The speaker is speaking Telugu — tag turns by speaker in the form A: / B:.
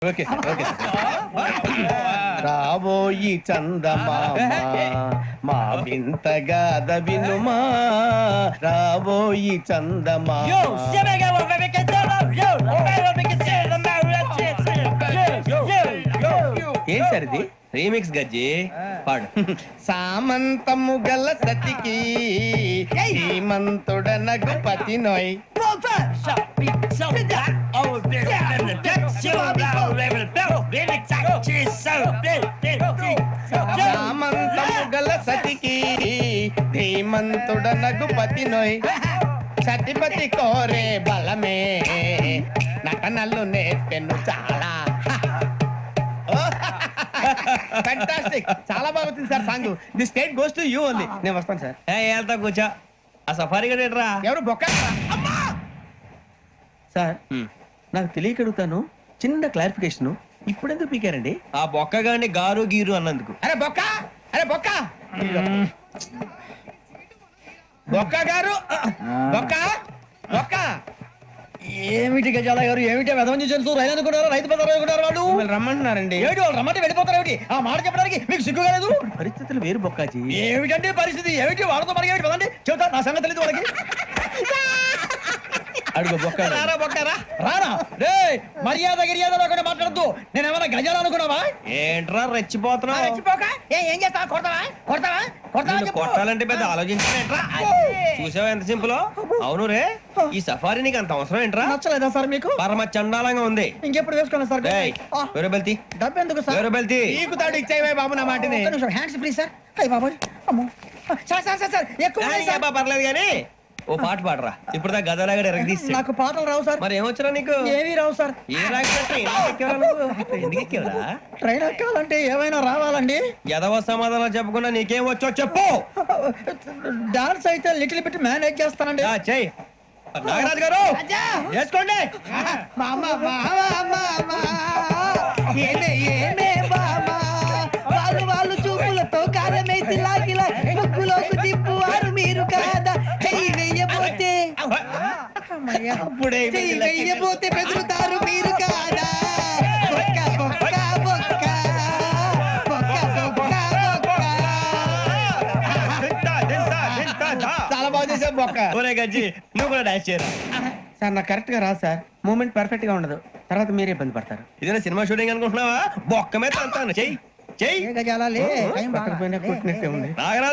A: ఓకే ఓకే రాబోయి చందమామ మా వింతగాథ వినుమా రాబోయి చందమామ ఏం సార్ ఇది
B: రీమిక్స్ గజ్జి పాడు.
A: సామంతము గల సతికి శ్రీమంతుడనగు పతి నోయ్ సామంతము గల సతికి ధీమంతుడనగు పతి నోయ్ సతిపతి కోరే బలమే నటనలు నేర్పెను చాలా. ఫ్యాంటాస్టిక్, చాలా బాగా వచ్చింది sir song. The state goes to you only. నేను వస్తాను సార్.
B: వెళ్తా కూర్చో. ఆ సఫారీ గడేట్రా
A: ఎవరు బొక్క సార్? నాకు తెలియక అడుగుతాను, చిన్న క్లారిఫికేషన్. ఇప్పుడెందుకు పీకారండి?
B: ఆ బొక్క గాని గారు గీరు అన్నందుకు.
A: అరే బొక్క, అరే బొక్క, బొక్క గారు, బొక్క బొక్క.
C: ఏమిటి గజాల గారు, ఏమిటి వెదవని చూసి రైలు అనుకున్నారు, రైతు బజార్ అనుకున్నారు వాళ్ళు.
A: మిమ్మల్ని రమ్మంటున్నారండి.
C: ఏమిటి వాళ్ళు రమ్మంటే వెళ్ళిపోతారు? ఏమిటి ఆ మాట చెప్పడానికి మీకు సిగ్గు కాలేదు?
A: పరిస్థితులు వేరు బొక్కాజీ.
C: ఏమిటంటే పరిస్థితి? ఏమిటి వాళ్ళతో మనకి ఏమిటి పదండి చెబుతా, నా సంగతి తెలియదు వాళ్ళకి.
A: అడుగు బొక్క.
C: రారా బొక్కరా, రారా రే. మర్యాద గిర్యాద లేకుండా మాట్లాడద్దు. నేను ఏమైనా గజాలు అనుకున్నావా?
B: ఏంట్రా రెచ్చిపోతున్నావు?
C: రెచ్చిపోక ఏం చేస్తావా? కొడతావా కొడతావా కొడతావా
B: నిన్ను కొట్టాలంటే పెద్ద ఆలోచించానేంట్రా? చూసావా ఎంత సింపుల్. అవును రే, ఈ సఫారీ నీకు అంత అవసరం ఏంట్రా?
C: నచ్చలేదా సార్ మీకు?
B: పరమ చండాలంగా ఉంది.
C: ఇంకెప్పుడు వేసుకోండి సార్.
B: వేరే బెల్తి,
C: డబ్బు ఎందుకు సార్?
B: వేరే బెల్తి.
A: నీకు తాడు ఇచ్చాయి బాబు నా మాటని.
C: Hands please sir. అయ్యి బాబోయ్, అమ్మో సార్ సార్ సార్ సార్ ఎక్కువ ఉన్నాయి సార్.
B: పర్లేదు కానీ ఓ పాట పాడరా. ఇప్పుడు దా గదలాగడ ఎరగదీసి.
C: నాకు పాటలు రావు సార్.
B: మరి ఏమొచ్చరా నీకు?
C: ఏమీ రావు సార్.
B: ఏ రాకపోతే ఎందుకు ఎక్కేవరా?
C: ట్రైన్ ఎక్కాలంటే ఏమైనా రావాలండి.
B: ఎదవ సమాధానం చెప్పకుండా నీకేం వచ్చో చెప్పు.
C: డాన్స్ అయితే లిటిల్ బిట్ మేనేజ్ చేస్తానండి.
B: చెయ్యి నాగరాజు గారు, వేసుకోండి.
C: మామ ఏమే ఏమే బామా, వాళ్ళు వాళ్ళు చూపులతో కాలమేసి లాగిలా ముగ్గులోకి తిప్పువారు మీరు కాదా? చెయ్యి వెయ్యబోతే
A: అప్పుడే
C: చెయ్యి వెయ్యబోతే బెదురుతారు మీరు కాదా? బొక్క బొక్క బొక్క బొక్క బొక్క బొక్క.
A: చాలా బాగా చేసావు బొక్క.
B: ఒరే గజ్జి, నువ్వు కూడా డాన్స్ చేయరా.
A: సార్ నాకు కరెక్ట్ గా రాదు సార్. మూమెంట్ పర్ఫెక్ట్ గా ఉండదు, తర్వాత మీరే ఇబ్బంది పడతారు.
B: ఇదేనా సినిమా షూటింగ్ అనుకుంటున్నావా? బొక్క మీద అంతాను. చెయ్యి చెయ్యి.
C: గజాలే
A: పక్కన పోయినా కొట్టినట్టే ఉంది.
B: నాగరాజు